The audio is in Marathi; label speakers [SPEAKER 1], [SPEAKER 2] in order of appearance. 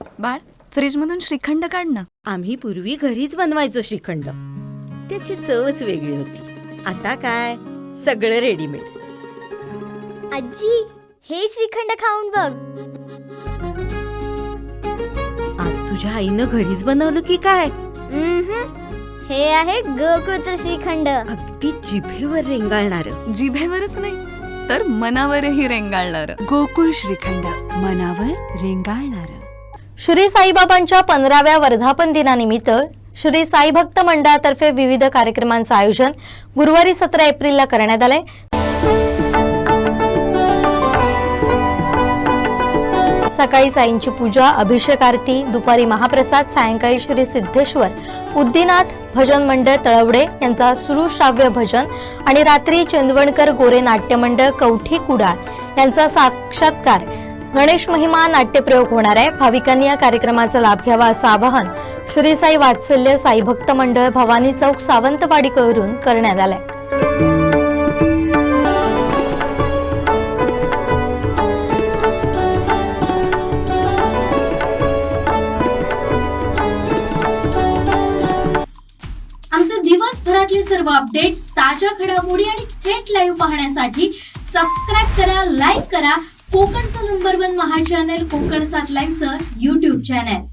[SPEAKER 1] बाळ, फ्रीजमधून श्रीखंड काढ ना.
[SPEAKER 2] आम्ही पूर्वी घरीच बनवायचो श्रीखंड. त्याची चवच वेगळी होती. आता काय सगळं रेडीमेड.
[SPEAKER 3] आजी, हे श्रीखंड खाऊन बघ.
[SPEAKER 2] आज तुझ्या आईनं घरीच बनवलं की काय?
[SPEAKER 3] हे आहे गोकुळचं श्रीखंड.
[SPEAKER 2] अगदी जिभेवर रेंगाळणार.
[SPEAKER 1] जिभेवरच नाही तर मनावरही रेंगाळणार.
[SPEAKER 4] गोकुळ श्रीखंड, मनावर रेंगाळणार.
[SPEAKER 5] श्री साईबाबांच्या 15व्या वर्धापन दिनानिमित्त श्री साई भक्त मंडळातर्फे विविध कार्यक्रमांचं आयोजन गुरुवारी 17 एप्रिलला करण्यात आलंय. सकाळी साईंची पूजा, अभिषेक आरती, दुपारी महाप्रसाद, सायंकाळी श्री सिद्धेश्वर उद्दीनाथ भजन मंडळ तळवडे यांचा सुरुश्राव्य भजन आणि रात्री चंदवणकर गोरे नाट्य मंडळ कवठी कुडाळ यांचा साक्षात्कार गणेश महिमा नाट्यप्रयोग होणार आहे. भाविकांनी या कार्यक्रमाचा लाभ घ्यावा असं आवाहन श्री साई वात्सल्य साई भक्त मंडळ भवानी चौक सावंतवाडीकडून करण्यात आलंय.
[SPEAKER 6] आमचे दिवसभरातले सर्व अपडेट्स, ताज्या घडामोडी आणि थेट लाईव्ह पाहण्यासाठी सबस्क्राईब करा, लाईक करा कोकणचं नंबर 1 महा चॅनल कोकण 7 लाईव्हचं YouTube चॅनल.